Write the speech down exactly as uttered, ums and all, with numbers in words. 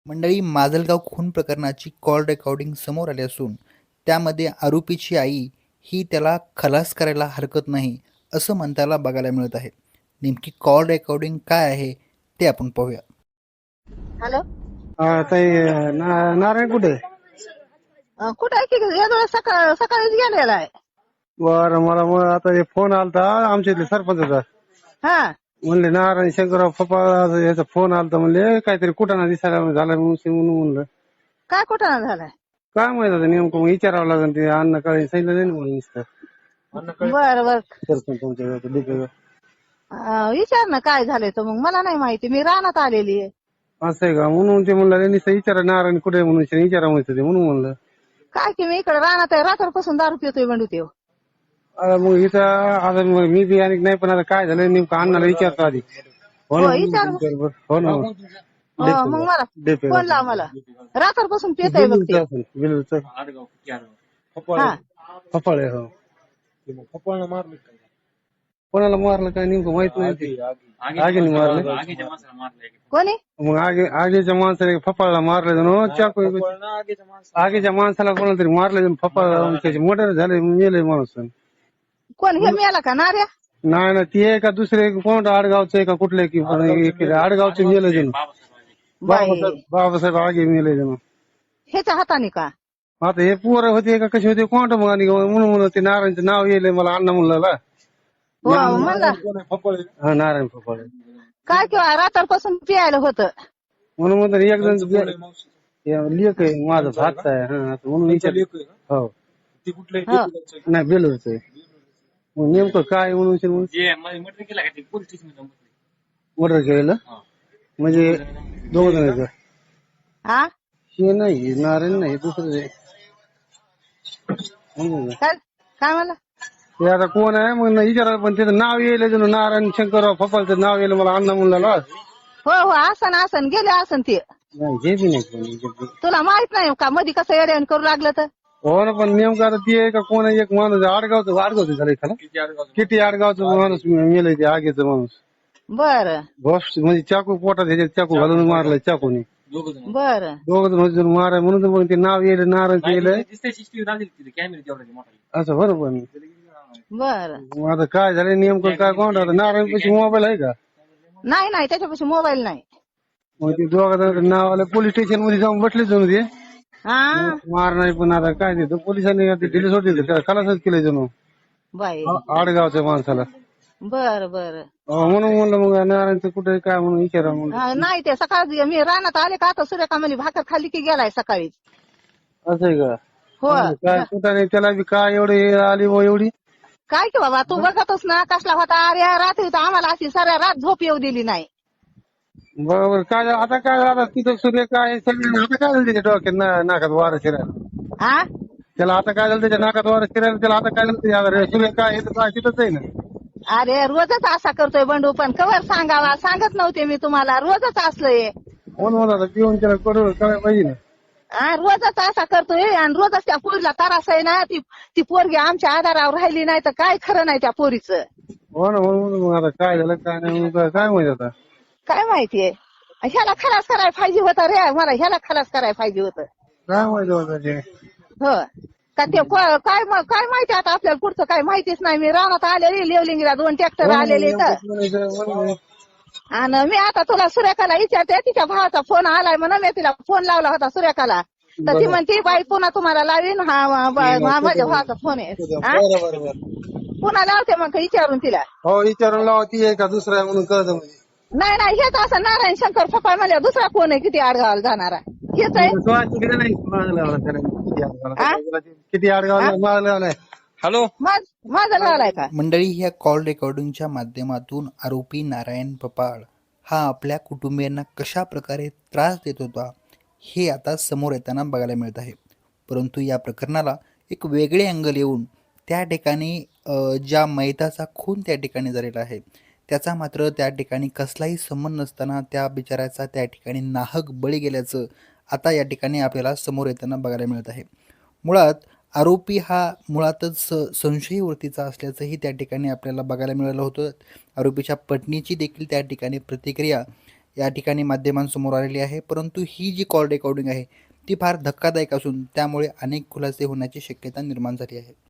मंडळी, माजलगाव खून प्रकरणाची कॉल रेकॉर्डिंग समोर आली असून त्यामध्ये आरोपीची आई ही त्याला खलास करायला हरकत नाही असं म्हणताना बघायला मिळत आहे. नेमकी कॉल रेकॉर्डिंग काय आहे ते आपण पाहूया. हॅलो. हा ताई, ना- नारायण कुठे? अं, कुठं आहे की या वेळेस सकाळ सकाळीच गेलेला आहे. बरं, मला मग आता हे फोन आलता आमच्या इथले सरपंचाचा. हा म्हणले नारायण शंकरराव पप्पा याचा फोन आलता, म्हणले काहीतरी कुठाना दिसायला झाला म्हणून म्हणून म्हणलं काय कुठं झालाय? काय माहित आता नेमकं, मग विचारावं लागेल. ते अन्न काळे सांगितलं नाही ना म्हणून नुसतं बर बर सरपंच तुमच्या डीपीवर. अं, विचार ना काय झालंय तर मग मला नाही माहिती, मी रानात आलेली आहे. असं आहे का? म्हणून ते म्हणलं नुसतं विचारा नारायण कुठे आहे म्हणून विचारा म्हणत ते, म्हणून म्हणलं. काय की मी इकडे रानात आहे, रात्रपासून दारू पितोय बंडू तेव. आता मग इथं आता मग मी बी आणि नाही, पण आता काय झालं नेमकं अण्णाला विचारतो आधी. हो ना, हो, विचार. बरोबर. हो ना. हो, मग मला डीपीवर फोन लाव, मला रात्रपासून पितोय बघ ते. बिलूचं हा फपाळे. हो, कोणाला मारलं काय नेमकं माहित नाही. ते आगीने मारलं. कोणी? मग आगे आगीच्या माणसाने फपाळला मारलं जण चाकू. आगीच्या माणसाला कोणाला तरी मारलं जण फपाळ, त्याचे मर्डर झाले, मेले माणूस. कोण हे मेला का नार्या? नाही ना, ती आहे का दुसरे कोण आडगावचं आहे का कुठले की आडगावचे मेले जण. बाई, बाबासाहेब आगे मेले जण. ह्याच्या हाताने का? आता हे पोरं होते का कसे होते कोण मग, आणि म्हणून म्हणून ते नारायणचं नाव येईल मला अण्णा म्हणला. हो म्हणला हा, नारायण फपाळे. काय किंवा रात्रपासून पियायला होतं म्हणून म्हणतो एक जण लेख आहे माझा भात आहे. हा, आता म्हणून विचार. हो, हो. नाही बेलूरच आहे. मग नेमकं काय म्हणून मर्डर केलेलं म्हणजे दोघ जण आहेत का? हा हे नाही, हे नारायण नाही, दुसरं आहे. म्हणून का? काय काय म्हणला? ते आता कोण आहे मग विचारायला, पण त्याचं नाव येईल जण नारायण शंकरराव फपाळचं नाव येईल मला अण्णा म्हणला. हो हो, आसन आसन गेले आसन ते. नाही, हे बी नाही कोणी. तुला माहित नाही का मधी कसं येड्यान करू लागलं तर? हो ना, पण नेमकं आता ती आहे का कोण आहे? एक माणूस आडगावचं आडगावचं झालं एखादा, किती आडगावचं माणूस मेलंय ते आगीचं माणूस. बर बॉस म्हणजे चाकू पोटात ह्याच्यात चाकू घालून मारलाय चाकूने. बर दोघ जण माराय म्हणून तर मग ते नाव येईल नारायण येईल असं. बरोबर. बर मग आता काय झालं नेमकं काय कोण आता नारायण पैसे मोबाईल आहे का? नाही नाही, त्याच्यापाशी मोबाईल नाही. मग ते दोघा जण नाव आलं पोलीस स्टेशन मध्ये जाऊन बसले जणू ते हा मार नाही. पण आता काय ते पोलिसांनी दिले सोडले, त्याला खलासच केलं जणू बाई. आडगावच्या माणसाला. बर बर अहो, म्हणून म्हणलं मग नारायणचं कुठे काय म्हणून विचारा म्हणून. हा, नाही ते सकाळी मी रानात आले का आता सूर्यकामली भाकर खाली की गेलाय सकाळीच. असं आहे का? हो. काय कुठं नाही त्याला बी काय एवढी आली व एवढी. काय की बाबा, तू बघतोस ना कसला होता. अरे रात्री तर आम्हाला अशी साऱ्या रात झोप येऊ दिली नाही. बरोबर. काय झालं आता? काय झालं तिथं सूर्य काय सगळं आता काय झालं त्याच्या डोक्यात ना- नाकात वारं शिरायला? हा त्याला आता काय झालं त्याच्या नाकात वारं शिरायला? त्याला आता काय झालं त्याच्या सूर्य काय हे तर काय तिथंच आहे ना. अरे रोजच असा करतोय बंडू, पण कवर सांगावा सांगत नव्हते मी तुम्हाला. रोजच असलंय. म्हणून म्हणत आता पिऊन त्याला कडू करायला पाहिजे ना. हा, रोजच असा करतोय आणि रोजच त्या पोरीला त्रास आहे ना. ती ती पोरगी आमच्या आधारावर राहिली नाही तर काय खरं नाही त्या पोरीचं. हो ना, म्हणून मग आता काय झालं काय नाही मग काय माहिती आता. काय माहितीये, ह्याला खलास करायला पाहिजे होतं रे. मला ह्याला खलास करायला पाहिजे होतं. काय माहिती होतं ते. हो का ते को- काय म- काय माहिती आता आपल्याला पुढचं काय माहितीच नाही. मी रानात आलेली, लेवलिंगला दोन ट्रॅक्टर आलेले तर. आणि मी आता तुला सुरेखाला विचारते, तिच्या भावाचा फोन आलाय म्हणून मी तिला फोन लावला होता सुरेखाला. तर ती म्हणते बाई पुन्हा तुम्हाला लावीन. हा हा, हा माझ्या भावाचा फोन आहे. हा? पुन्हा लावते मग विचारून तिला. हो, विचारून लावा ती आहे का दुसरा आहे म्हणून कळतं म्हणजे. नाही नाही, हेच असं नारायण शंकर फपाळ म्हणल्या दुसरा फोन आहे किती आडगावाला जाणारा हेच आहे. हा? किती आडगावला मारला. हॅलो, माझ माझा लावलाय का? मंडळी, ह्या कॉल रेकॉर्डिंगच्या माध्यमातून आरोपी नारायण पपाळ हा आपल्या कुटुंबियांना कशा प्रकारे त्रास देत होता हे आता समोर येताना बघायला मिळत आहे. परंतु या प्रकरणाला एक वेगळे अँगल येऊन त्या ठिकाणी अ, ज्या मैताचा खून त्या ठिकाणी झालेला आहे त्याचा मात्र त्या ठिकाणी कसलाही संबंध नसताना त्या बिचाऱ्याचा त्या ठिकाणी नाहक बळी गेल्याचं आता या ठिकाणी आपल्याला समोर येताना बघायला मिळत आहे. मुळात आरोपी हा मुळातच स संशयी वृत्तीचा असल्याचंही त्या ठिकाणी आपल्याला बघायला मिळालं होतं. आरोपीच्या पत्नीची देखील त्या ठिकाणी प्रतिक्रिया या ठिकाणी माध्यमांसमोर आलेली आहे. परंतु ही जी कॉल रेकॉर्डिंग आहे ती फार धक्कादायक असून त्यामुळे अनेक खुलासे होण्याची शक्यता निर्माण झाली आहे.